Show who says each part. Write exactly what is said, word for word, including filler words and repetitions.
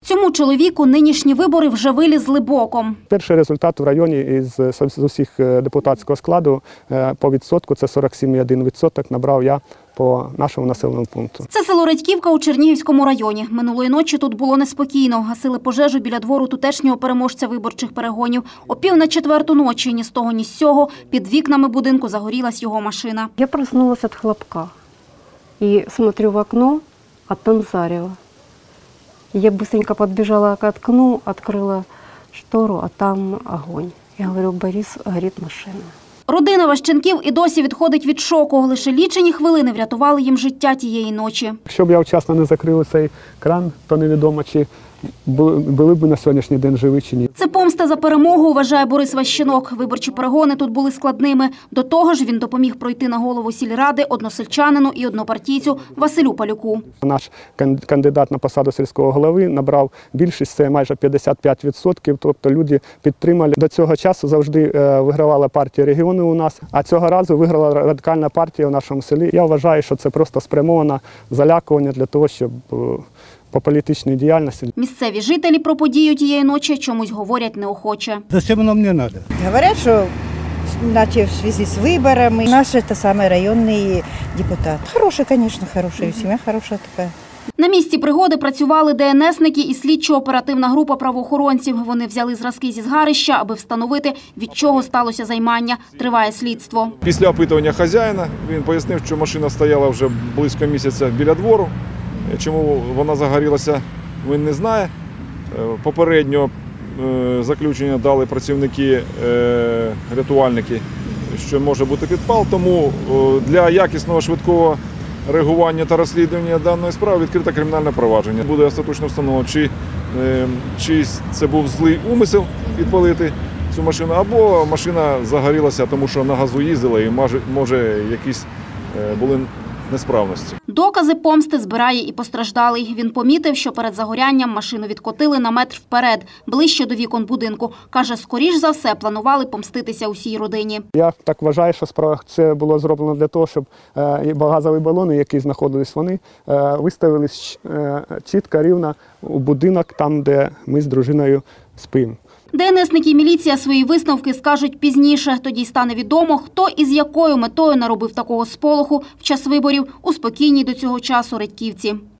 Speaker 1: Цьому чоловіку нинішні вибори вже вилізли боком.
Speaker 2: Перший результат в районі із з усіх депутатського складу по відсотку, це сорок сім цілих один відсоток, набрав я по нашому населеному пункту.
Speaker 1: Це село Редьківка у Чернігівському районі. Минулої ночі тут було неспокійно. Гасили пожежу біля двору тутешнього переможця виборчих перегонів. О пів на четверту ночі ні з того, ні з сього під вікнами будинку загорілась його машина.
Speaker 3: Я проснулась від хлопка і смотрю в окно, а там зарево. Я быстренько подбежала к окну, открыла штору, а там огонь. Я говорю: Борис, горит машина.
Speaker 1: Родина Ващенків і досі відходить від шоку. Лише лічені хвилини врятували їм життя тієї ночі.
Speaker 2: Якщо б я вчасно не закрив цей кран, то невідомо, чи були б на сьогоднішній день живі чи ні.
Speaker 1: Це помста за перемогу, вважає Борис Ващенок. Виборчі перегони тут були складними. До того ж, він допоміг пройти на голову сільради односельчанину і однопартійцю Василю Палюку.
Speaker 2: Наш кандидат на посаду сільського голови набрав більшість, це майже п'ятдесят п'ять відсотків, тобто люди підтримали. До цього часу завжди вигравала партія регіону у нас, а цього разу виграла радикальна партія в нашому селі. Я вважаю, що це просто спрямоване залякування для того, щоб по політичній діяльності.
Speaker 1: Місцеві жителі про подію тієї ночі чомусь говорять неохоче.
Speaker 4: Зачем воно мені треба?
Speaker 5: Говорять, що наче в зв'язку з виборами. Наш це саме районний депутат. Хороший, звісно, хороший. Сім'я хороша така.
Speaker 1: На місці пригоди працювали ДНСники і слідчо-оперативна група правоохоронців. Вони взяли зразки зі згарища, аби встановити, від чого сталося займання. Триває слідство.
Speaker 6: Після опитування хазяїна він пояснив, що машина стояла вже близько місяця біля двору. Чому вона загорілася, він не знає. Попередньо заключення дали працівники, рятувальники, що може бути підпал. Тому для якісного швидкого реагування та розслідування даної справи відкрите кримінальне провадження. Буде остаточно встановлено, чи, чи це був злий умисел підпалити цю машину, або машина загорілася, тому що на газу їздила і може якісь були несправності.
Speaker 1: Докази помсти збирає і постраждалий. Він помітив, що перед загорянням машину відкотили на метр вперед, ближче до вікон будинку. Каже, скоріш за все планували помститися усій родині.
Speaker 2: Я так вважаю, що справа це було зроблено для того, щоб газові балони, які знаходились вони, виставились чітко, рівно у будинок, там, де ми з дружиною спимо.
Speaker 1: ДНСники і міліція свої висновки скажуть пізніше. Тоді стане відомо, хто і з якою метою наробив такого сполоху в час виборів у спокійній до цього часу Редьківці.